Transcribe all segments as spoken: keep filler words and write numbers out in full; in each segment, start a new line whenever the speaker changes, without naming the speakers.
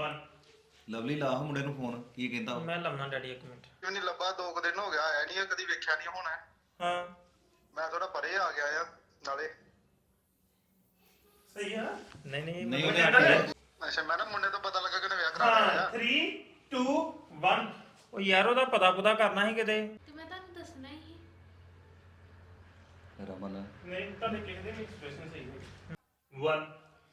One
lovely ਲਾ ਮੁੰਡੇ ਨੂੰ ਫੋਨ ਕੀ ਕਹਿੰਦਾ
मैं लाना डैडी एक मिनट
ਕਿਉਂ ਨਹੀਂ ਲੱਭਾ ਦੋ ਕੁ ਦਿਨ ਹੋ ਗਿਆ ਆਇਆ ਨਹੀਂ ਕਦੀ ਵੇਖਿਆ ਨਹੀਂ ਹੋਣਾ
हाँ
ਮੈਂ ਥੋੜਾ ਪਰੇ ਆ ਗਿਆ ਆ ਨਾਲੇ
सही है नहीं नहीं
ਨਹੀਂ
मैं-
ਉਹਨੇ ਆਖਿਆ
ਅੱਛਾ ਮੈਂ ਨਾ ਮੁੰਡੇ ਤੋਂ ਪਤਾ ਲੱਗਾ ਕਿ ਨੇ ਵਿਆਹ ਕਰਾ ਲਿਆ
हाँ थ्री टू वन ਉਹ ਯਾਰ ਉਹਦਾ ਪਤਾ ਪੁਤਾ ਕਰਨਾ ਸੀ ਕਿਤੇ
ਤੇ ਮੈਂ ਤੁਹਾਨੂੰ ਦੱਸਣਾ ਹੀ
ਰਮਨ
ਨਹੀਂ ਤੁਹਾਡੇ ਕਿਸੇ ਦੇ ਵੀ ਐਕਸਪ੍ਰੈਸ਼ਨ ਸਹੀ ਹੋਈ वन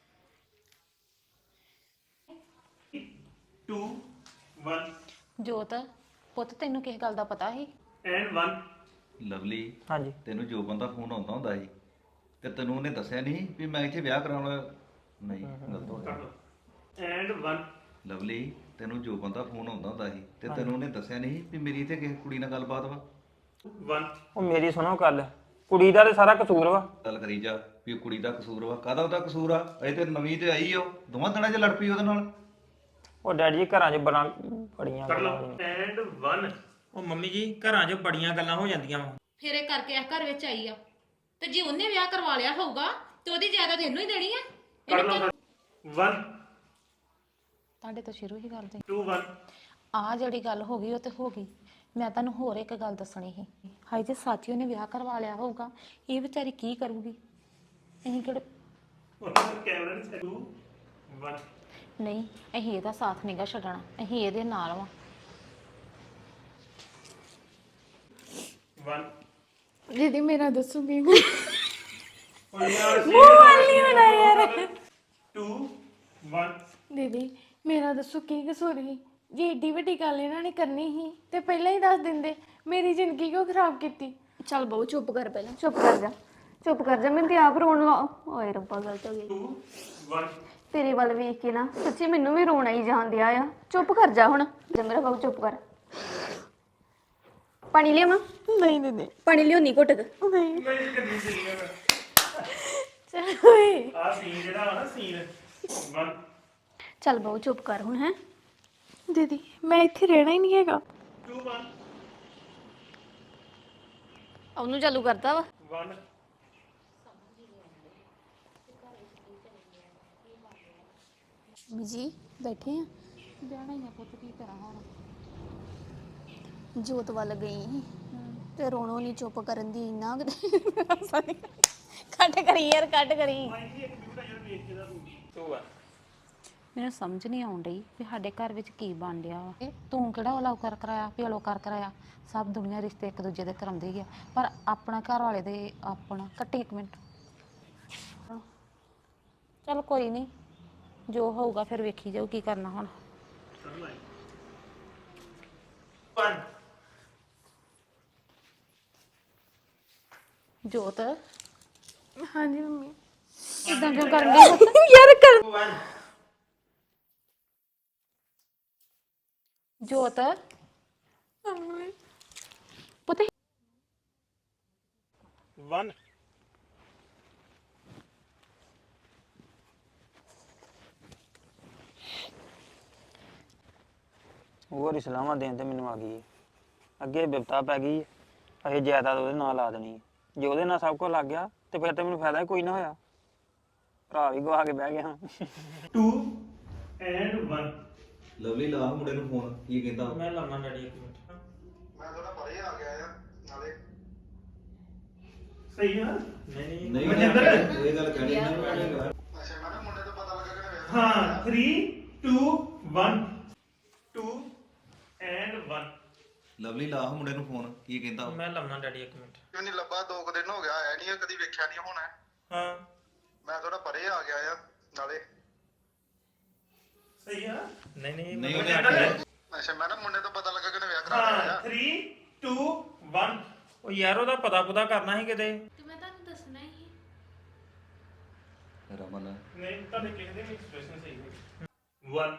टू वन
ਜੋਤ ਪੁੱਤ ਤੈਨੂੰ ਕਿਸ ਗੱਲ ਦਾ ਪਤਾ ਸੀ
एंड वन
ਲਵਲੀ
ਹਾਂਜੀ
ਤੈਨੂੰ ਜੋ ਬੰਦਾ ਫੋਨ ਆਉਂਦਾ ਹੁੰਦਾ ਸੀ ਤੇ ਤੈਨੂੰ ਉਹਨੇ ਦੱਸਿਆ ਨਹੀਂ ਵੀ ਮੈਂ ਇੱਥੇ ਵਿਆਹ ਕਰਾਉਣਾ ਨਹੀਂ ਗਲਤ ਹੋ ਗਿਆ
एंड वन
ਲਵਲੀ ਤੈਨੂੰ ਜੋ ਬੰਦਾ ਫੋਨ ਆਉਂਦਾ ਹੁੰਦਾ ਸੀ ਤੇ ਤੈਨੂੰ ਉਹਨੇ ਦੱਸਿਆ ਨਹੀਂ ਵੀ ਮੇਰੀ ਇੱਥੇ ਕਿਸੇ ਕੁੜੀ ਨਾਲ ਗੱਲਬਾਤ ਵਾ
वन ਉਹ ਮੇਰੀ ਸੁਣੋ ਗੱਲ ਕੁੜੀ ਦਾ ਤੇ ਸਾਰਾ ਕਸੂਰ ਵਾ
ਗੱਲ ਕਰੀ ਜਾ ਵੀ ਉਹ ਕੁੜੀ ਦਾ ਕਸੂਰ ਵਾ ਕਾਹਦਾ ਉਹਦਾ ਕਸੂਰ ਆ ਅਜੇ ਤੇ ਨਵੀਂ ਤੇ ਆਈ ਆ ਉਹ ਦੋਵਾਂ ਦਿਨਾਂ 'ਚ ਲੜ ਪਈ ਉਹਦੇ ਨਾਲ
ਉਹ ਡੈਡੀ ਜੀ ਘਰਾਂ 'ਚ ਬੜਾ ਬੜੀਆਂ ਗੱਲਾਂ ਐਂਡ वन ਉਹ ਮੰਮੀ ਜੀ ਘਰਾਂ 'ਚ ਬੜੀਆਂ ਗੱਲਾਂ ਹੋ ਜਾਂਦੀਆਂ ਵਾ
ਫਿਰ ਇਹ ਕਰਕੇ ਇਸ ਘਰ ਵਿੱਚ ਆਈ ਆ ਤੇ ਜੇ ਉਹਨੇ ਵਿਆਹ ਕਰਵਾ ਲਿਆ ਹੋਊਗਾ ਤੇ ਉਹਦੀ ਜਾਇਦਾਦ ਇਹਨੂੰ ਹੀ ਦੇਣੀ ਆ
ਕਰ ਲਓ वन
ਤੁਹਾਡੇ ਤੋਂ ਸ਼ੁਰੂ ਹੀ ਕਰਦੇ
टू वन
ਆ ਜਿਹੜੀ ਗੱਲ ਹੋ ਗਈ ਉਹ ਤੇ ਹੋ ਗਈ ਮੈਂ ਤੁਹਾਨੂੰ ਹੋਰ ਇੱਕ ਗੱਲ ਦੱਸਣੀ ਸੀ ਹਾਈ ਜੇ ਸਾਚੀ ਉਹਨੇ ਵਿਆਹ ਕਰਵਾ ਲਿਆ ਹੋਊਗਾ ਇਹ ਵਿਚਾਰੀ ਕੀ ਕਰੂਗੀ ਅਸੀਂ ਕਿਹੜੇ
ਉਹਨਾਂ ਦਾ ਕੈਮਰਾ ਨਹੀਂ ਟੂ वन
ਨਹੀਂ ਅਸੀਂ ਇਹਦਾ ਸਾਥ ਨਹੀਂਗਾ ਛੱਡਣਾ ਅਸੀਂ ਇਹਦੇ ਨਾਲ ਵਾਂ
वन
दीदी मेरा दसूंगी
और यार नहीं टू वन
दीदी मेरा दसो की कसूर ही जे एडी ਵੱਡੀ ਗੱਲ ਇਹਨਾਂ ਨੇ ਕਰਨੀ ਸੀ ਤੇ ਪਹਿਲਾਂ ਹੀ ਦੱਸ ਦਿੰਦੇ ਮੇਰੀ ਜ਼ਿੰਦਗੀ ਕਿਉਂ ਖਰਾਬ ਕੀਤੀ ਚੱਲ ਬਹੁ ਚੁੱਪ ਕਰ ਪਹਿਲਾਂ ਚੁੱਪ ਕਰ ਜਾ ਚੁੱਪ ਕਰ ਜਾ ਮੈਨੂੰ ਤੇ ਆਪ ਰੋਣ ਲਾ ਓਏ ਰੱਬਾ ਗਲਤ ਹੋ ਗਈ
टू वन
ਤੇਰੇ ਵੱਲ ਵੇਖ ਕੇ ਨਾ ਸੱਚੀ ਮੈਨੂੰ ਵੀ ਰੋਣਾ ਹੀ ਜਾਣ ਦਿਆ ਆ ਚੁੱਪ ਕਰ ਜਾ ਹੁਣ ਜਾ ਮੇਰਾ ਬਾਬੂ ਚੁੱਪ ਕਰ ਪਾਣੀ ਲਿਆਵਾਂ ਨਹੀਂ ਦੀਦੀ ਪਾਣੀ ਲਿਓ ਨਹੀਂ ਘੁੱਟ ਕੇ ਨਹੀਂ
ਨਹੀਂ ਕਰਨੀ ਚਾਹੀਦੀ
ਚੱਲ ਓਏ
ਆ ਸੀਨ ਜਿਹੜਾ ਵਾ ਨਾ ਸੀਨ वन
ਚੱਲ ਬਹੁ ਚੁੱਪ ਕਰ ਹੁਣ ਹੈ ਦੀਦੀ ਮੈਂ ਇੱਥੇ ਰਹਿਣਾ ਹੀ ਨਹੀਂ ਹੈਗਾ
टू वन
ਉਹਨੂੰ ਚਾਲੂ ਕਰਤਾ ਵਾ
वन
ਜੀ ਬੈਠੇ ਆ
ਵਿਆਹਣਾ ਹੀ ਆ ਪੁੱਤ ਕੀ ਕਰਾਂ ਹੁਣ
ਜੋਤ ਵੱਲ ਗਈ ਸੀ ਤੇ ਰੋਣੋ ਨਹੀਂ ਚੁੱਪ ਕਰਨ ਦੀ ਇੰਨਾ ਕੱਟ ਕਰੀ ਯਾਰ ਕੱਟ ਕਰੀ
टू वन
ਮੈਨੂੰ ਸਮਝ ਨਹੀਂ ਆਉਣ ਡਈ ਵੀ ਸਾਡੇ ਘਰ ਵਿੱਚ ਕੀ ਬਣ ਰਿਹਾ ਵਾ ਇਹ ਤੂੰ ਕਿਹੜਾ ਅਲਾਉ ਕਰ ਕਰਾਇਆ ਵੀ ਅਲਾਉ ਕਰ ਕਰਾਇਆ ਸਭ ਦੁਨੀਆ ਰਿਸ਼ਤੇ ਇੱਕ ਦੂਜੇ ਦੇ ਕਰਾਉਂਦੀ ਹੀ ਆ ਪਰ ਆਪਣਾ ਘਰ ਵਾਲੇ ਦੇ ਆਪਣਾ ਕੱਟੀ ਇੱਕ ਮਿੰਟ ਚਲ ਕੋਈ ਨਹੀਂ ਜੋ ਹੋਊਗਾ ਫਿਰ ਵੇਖੀ ਜਾਊ ਕੀ ਕਰਨਾ ਹੁਣ
वन
ਜੋਤ
ਹਾਂਜੀ ਮੰਮੀ
ਇਦਾਂ ਕਿਉਂ ਕਰਨ ਡਈ
ਯਾਰ ਕਰ
वन
ਜੋਤ ਪੁੱਤ
वन
ਹੋਰ ਇਸਲਾਮਾਂ ਦੇਣ ਤੇ ਮੈਨੂੰ ਆ ਗਈ ਹੈ। ਅੱਗੇ ਬਿਪਤਾ ਪੈ ਗਈ ਹੈ। ਅਸੀਂ ਜਾਇਦਾਦ ਉਹਦੇ ਨਾਲ ਲਾ ਦੇਣੀ ਹੈ। ਜੇ ਉਹਦੇ ਨਾਲ ਸਭ ਕੁਝ ਲੱਗ ਗਿਆ ਤੇ ਫਿਰ ਤੇ ਮੈਨੂੰ ਫਾਇਦਾ ਹੀ ਕੋਈ ਨਾ ਹੋਇਆ ਭਰਾ ਵੀ ਗਵਾ ਕੇ ਬਹਿ ਗਿਆ
टू एंड वन
ਲਵਲੀ ਲਾ ਮੁੰਡੇ ਨੂੰ ਫੋਨ ਕੀ ਕਹਿੰਦਾ
मैं लाना डैडी एक मिनट
ਮੈਂ ਥੋੜਾ ਪਰੇ ਆ ਗਿਆ ਆ ਨਾਲੇ
सही है नहीं
ਨਹੀਂ
नहीं
ਉਹਨੇ ਆਖਿਆ, ਇਹ ਗੱਲ ਕਹਿਣੀ ਨਹੀਂ ਉਹਨੇ
ਅੱਛਾ ਮੈਂ ਨਾ ਮੁੰਡੇ ਤੋਂ ਪਤਾ ਲੱਗਾ ਕਿ ਨੇ ਵਿਆਹ
हाँ three two one two and one
lovely ਲਾ ਮੁੰਡੇ ਨੂੰ ਫੋਨ ਕੀ ਕਹਿੰਦਾ
मैं लाना डैडी एक मिनट
ਕਿਉਂ ਨਹੀਂ ਲੱਭਾ ਦੋ ਕੁ ਦਿਨ ਹੋ ਗਿਆ ਆਇਆ ਨਹੀਂ ਕਦੀ ਵੇਖਿਆ ਨਹੀਂ ਹੋਣਾ
हाँ
ਮੈਂ ਥੋੜਾ ਪਰੇ ਆ ਗਿਆ ਆ ਨਾਲੇ
सही है नहीं नहीं
ਨਹੀਂ ਉਹਨੇ ਆਖਿਆ
ਅੱਛਾ ਮੈਂ ਨਾ ਮੁੰਡੇ ਤੋਂ ਪਤਾ ਲੱਗਾ ਕਿ ਨੇ ਵਿਆਹ ਕਰਾ
हाँ
ਲਿਆ
थ्री टू वन ਉਹ ਯਾਰ ਉਹਦਾ ਪਤਾ ਪੁਤਾ ਕਰਨਾ ਸੀ ਕਿਤੇ
ਤੇ ਮੈਂ ਤੁਹਾਨੂੰ ਦੱਸਣਾ ਹੀ
ਰਮਨ
ਨਹੀਂ ਤੁਹਾਡੇ ਕਿਸੇ ਦੇ ਵੀ ਐਕਸਪ੍ਰੈਸ਼ਨ ਸਹੀ ਹੋਈ वन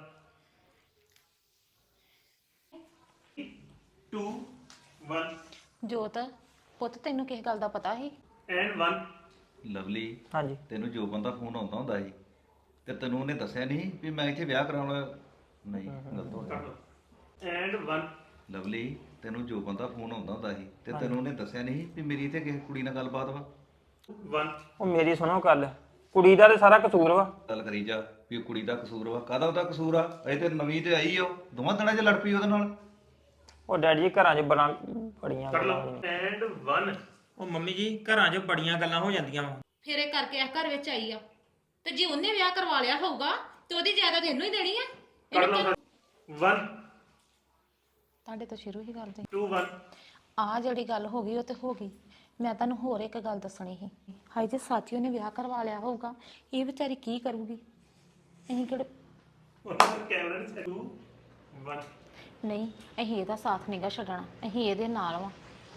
टू वन
ਜੋਤ ਪੁੱਤ ਤੈਨੂੰ ਕਿਸ ਗੱਲ ਦਾ ਪਤਾ ਸੀ
एंड वन
ਲਵਲੀ
ਹਾਂਜੀ
ਤੈਨੂੰ ਜੋ ਬੰਦਾ ਫੋਨ ਆਉਂਦਾ ਹੁੰਦਾ ਸੀ ਤੇ ਤੈਨੂੰ ਉਹਨੇ ਦੱਸਿਆ ਨਹੀਂ ਵੀ ਮੈਂ ਇੱਥੇ ਵਿਆਹ ਕਰਾਉਣਾ ਨਹੀਂ ਗਲਤ ਹੋ ਗਿਆ
एंड वन
ਲਵਲੀ ਤੈਨੂੰ ਜੋ ਬੰਦਾ ਫੋਨ ਆਉਂਦਾ ਹੁੰਦਾ ਸੀ ਤੇ ਤੈਨੂੰ ਉਹਨੇ ਦੱਸਿਆ ਨਹੀਂ ਵੀ ਮੇਰੀ ਇੱਥੇ ਕਿਸੇ ਕੁੜੀ ਨਾਲ ਗੱਲਬਾਤ ਵਾ
वन
ਉਹ ਮੇਰੀ ਸੁਣੋ ਗੱਲ ਕੁੜੀ ਦਾ ਤੇ ਸਾਰਾ ਕਸੂਰ ਵਾ
ਗੱਲ ਕਰੀ ਜਾ ਵੀ ਉਹ ਕੁੜੀ ਦਾ ਕਸੂਰ ਵਾ। ਕਾਹਦਾ ਉਹਦਾ ਕਸੂਰ ਆ? ਅਜੇ ਤੇ ਨਵੀਂ ਤੇ ਆਈ ਆ, ਉਹ ਦੋਵਾਂ ਦਿਨਾਂ 'ਚ ਲੜ ਪਈ ਉਹਦੇ ਨਾਲ।
ਉਹ ਡੈਡੀ ਜੀ ਘਰਾਂ 'ਚ ਬੜਾ ਬੜੀਆਂ ਗੱਲਾਂ
ਐਂਡ ਵਨ ਉਹ ਮੰਮੀ ਜੀ ਘਰਾਂ 'ਚ ਬੜੀਆਂ ਗੱਲਾਂ ਹੋ ਜਾਂਦੀਆਂ ਵਾ
ਫਿਰ ਇਹ ਕਰਕੇ ਇਸ ਘਰ ਵਿੱਚ ਆਈ ਆ ਤੇ ਜੇ ਉਹਨੇ ਵਿਆਹ ਕਰਵਾ ਲਿਆ ਹੋਊਗਾ ਤੇ ਉਹਦੀ ਜਾਇਦਾਦ ਇਹਨੂੰ ਹੀ ਦੇਣੀ ਆ
ਕਰ ਲਓ ਵਨ
ਤੁਹਾਡੇ ਤੋਂ ਸ਼ੁਰੂ ਹੀ ਕਰਦੇ
ਟੂ ਵਨ
ਆ ਜਿਹੜੀ ਗੱਲ ਹੋ ਗਈ ਉਹ ਤੇ ਹੋ ਗਈ। ਮੈਂ ਤੁਹਾਨੂੰ ਹੋਰ ਇੱਕ ਗੱਲ ਦੱਸਣੀ ਸੀ। ਹਾਏ ਜੇ ਸਾਚੀ ਉਹਨੇ ਵਿਆਹ ਕਰਵਾ ਲਿਆ ਹੋਊਗਾ ਇਹ ਵਿਚਾਰੀ ਕੀ ਕਰੂਗੀ? ਅਸੀਂ ਕਿਹੜੇ
ਕੈਮਰਾ ਨਹੀਂ ਟੂ ਵਨ
ਨਹੀਂ, ਅਸੀਂ ਇਹਦਾ ਸਾਥ ਨਹੀਂਗਾ ਛੱਡਣਾ, ਅਸੀਂ ਇਹਦੇ ਨਾਲ ਵਾਂ।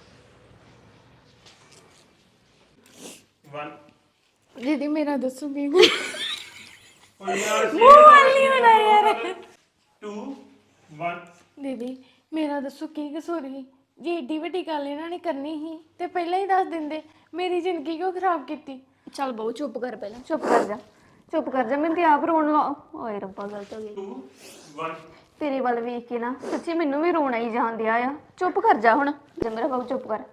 ਵਨ
ਦੀਦੀ ਮੇਰਾ ਦੱਸੋ ਕੀ
ਉਹ ਯਾਰ ਨਹੀਂ ਹੋਣਾ ਯਾਰ ਟੂ ਵਨ
ਦੀਦੀ ਮੇਰਾ ਦੱਸੋ ਕੀ ਕਸੂਰ ਸੀ? ਜੇ ਏਡੀ ਵੱਡੀ ਗੱਲ ਇਹਨਾਂ ਨੇ ਕਰਨੀ ਸੀ ਤੇ ਪਹਿਲਾਂ ਹੀ ਦੱਸ ਦਿੰਦੇ। ਮੇਰੀ ਜ਼ਿੰਦਗੀ ਕਿਉਂ ਖਰਾਬ ਕੀਤੀ? ਚੱਲ ਬਹੁ ਚੁੱਪ ਕਰ, ਪਹਿਲਾਂ ਚੁੱਪ ਕਰ ਜਾ, ਚੁੱਪ ਕਰ ਜਾ। ਮੈਨੂੰ ਤੇ ਆਪ ਰੋਣ ਲਾ। ਓਏ ਰੱਬਾ ਗਲਤ ਹੋ ਗਈ।
ਟੂ ਵਨ
ਤੇਰੇ ਵੱਲ ਵੇਖ ਕੇ ਨਾ ਸੱਚੀ ਮੈਨੂੰ ਵੀ ਰੋਣਾ ਹੀ ਜਾਣ ਦਿਆ ਆ। ਚੁੱਪ ਕਰ ਜਾ ਹੁਣ। ਜੇ ਮੇਰਾ ਬਾਬੂ ਚੁੱਪ ਕਰ।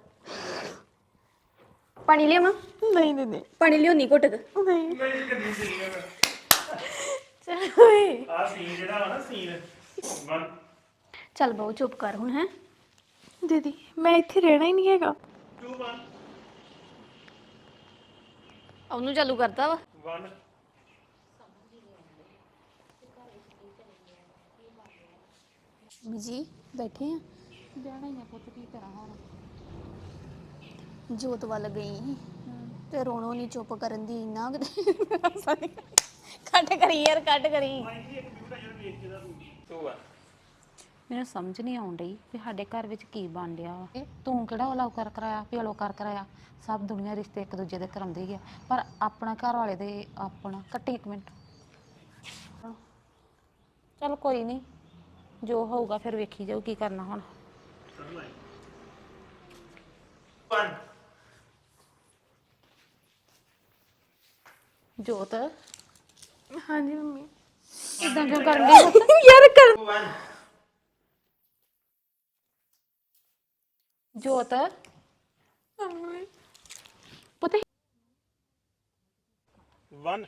ਪਾਣੀ ਲਿਆਵਾਂ? ਨਹੀਂ ਦੀਦੀ ਪਾਣੀ ਲਿਆਉਣੀ ਘੁੱਟ ਕੇ। ਨਹੀਂ
ਨਹੀਂ ਕਦੀ ਸੀ
ਚੱਲ ਓਏ
ਆ ਸੀਨ ਜਿਹੜਾ ਵਾ ਨਾ ਸੀਨ ਵਨ
ਚੱਲ ਬਹੁ ਚੁੱਪ ਕਰ ਹੁਣ। ਹੈ ਦੀਦੀ ਮੈਂ ਇੱਥੇ ਰਹਿਣਾ ਹੀ ਨਹੀਂ ਹੈਗਾ।
ਟੂ ਵਨ
ਉਹਨੂੰ ਚਾਲੂ ਕਰਦਾ ਵਾ।
ਵਨ
ਜੀ ਬੈਠੇ ਆ।
ਵਿਆਹਣਾ ਹੀ ਆ ਪੁੱਤ, ਕੀ ਕਰਾਂ ਹੁਣ?
ਜੋਤ ਵੱਲ ਗਈ ਤੇ ਰੋਣੋ ਨਹੀਂ ਚੁੱਪ ਕਰਨ ਦੀ। ਇੰਨਾ ਕੱਟ ਕਰੀ ਯਾਰ, ਕੱਟ ਕਰੀ।
ਟੂ ਵਨ
ਮੈਨੂੰ ਸਮਝ ਨਹੀਂ ਆਉਣ ਡਈ ਵੀ ਸਾਡੇ ਘਰ ਵਿੱਚ ਕੀ ਬਣ ਰਿਹਾ ਵਾ। ਤੂੰ ਕਿਹੜਾ ਉਹ ਕਰ ਕਰਾਇਆ ਵੀ ਅਲੋ ਕਰ ਕਰਾਇਆ। ਸਭ ਦੁਨੀਆ ਰਿਸ਼ਤੇ ਇੱਕ ਦੂਜੇ ਦੇ ਕਰਾਉਂਦੀ ਹੈ, ਪਰ ਆਪਣਾ ਘਰ ਵਾਲੇ ਦੇ ਆਪਣਾ। ਕੱਟੀ ਇੱਕ ਮਿੰਟ। ਚਲ ਕੋਈ ਨਹੀਂ, ਜੋ ਹੋਊਗਾ ਫਿਰ ਵੇਖੀ ਜਾਊ ਕੀ ਕਰਨਾ ਹੁਣ।
ਵਨ
ਜੋਤ
ਹਾਂਜੀ ਮੰਮੀ।
ਇਦਾਂ ਕਿਉਂ ਕਰਨ ਡਈ ਯਾਰ? ਕਰ
ਵਨ
ਜੋਤ ਪੁੱਤ
ਵਨ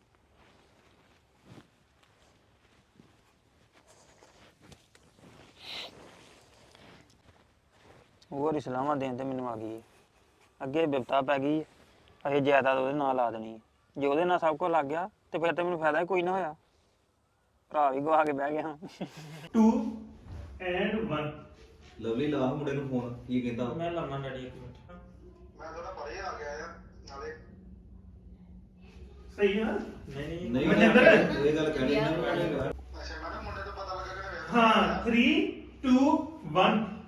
ਹੋਰ ਹੀ ਸਲਾਹਾਂ ਦੇਣ ਤੇ ਮੈਨੂੰ ਆ ਗਈ ਹੈ। ਅੱਗੇ ਬਿਪਤਾ ਪੈ ਗਈ ਹੈ। ਇਹ ਜਾਇਦਾਦ ਉਹਦੇ ਨਾਲ ਲਾ ਦੇਣੀ ਹੈ। ਜੇ ਉਹਦੇ ਨਾਲ ਸਭ ਕੁਝ ਲੱਗ ਗਿਆ ਤੇ ਫਿਰ ਤੇ ਮੈਨੂੰ ਫਾਇਦਾ ਹੀ ਕੋਈ ਨਾ ਹੋਇਆ। ਭਰਾ ਵੀ ਗਵਾ ਕੇ ਬਹਿ ਗਿਆ।
ਟੂ ਐਂਡ ਵਨ
ਲਵਲੀ ਲਾ ਮੁੰਡੇ ਨੂੰ ਫੋਨ, ਕੀ ਕਹਿੰਦਾ?
ਮੈਂ ਲਾਉਣਾ ਡੈਡੀ ਇੱਕ ਮਿੰਟ।
ਮੈਂ ਥੋੜਾ ਪਰੇ ਆ ਗਿਆ ਆ ਨਾਲੇ
ਸਹੀ ਆ
ਨਹੀਂ ਨਹੀਂ
ਨਹੀਂ
ਮਨਿੰਦਰ।
ਇਹ ਗੱਲ ਕਹਿਣੀ ਨਾ।
ਅੱਛਾ ਮੈਂ ਨਾ ਮੁੰਡੇ ਤੋਂ ਪਤਾ ਲੱਗਾ ਕਿ ਇਹਨੇ ਵਿਆਹ
ਹਾਂ ਥ੍ਰੀ ਟੂ ਵਨ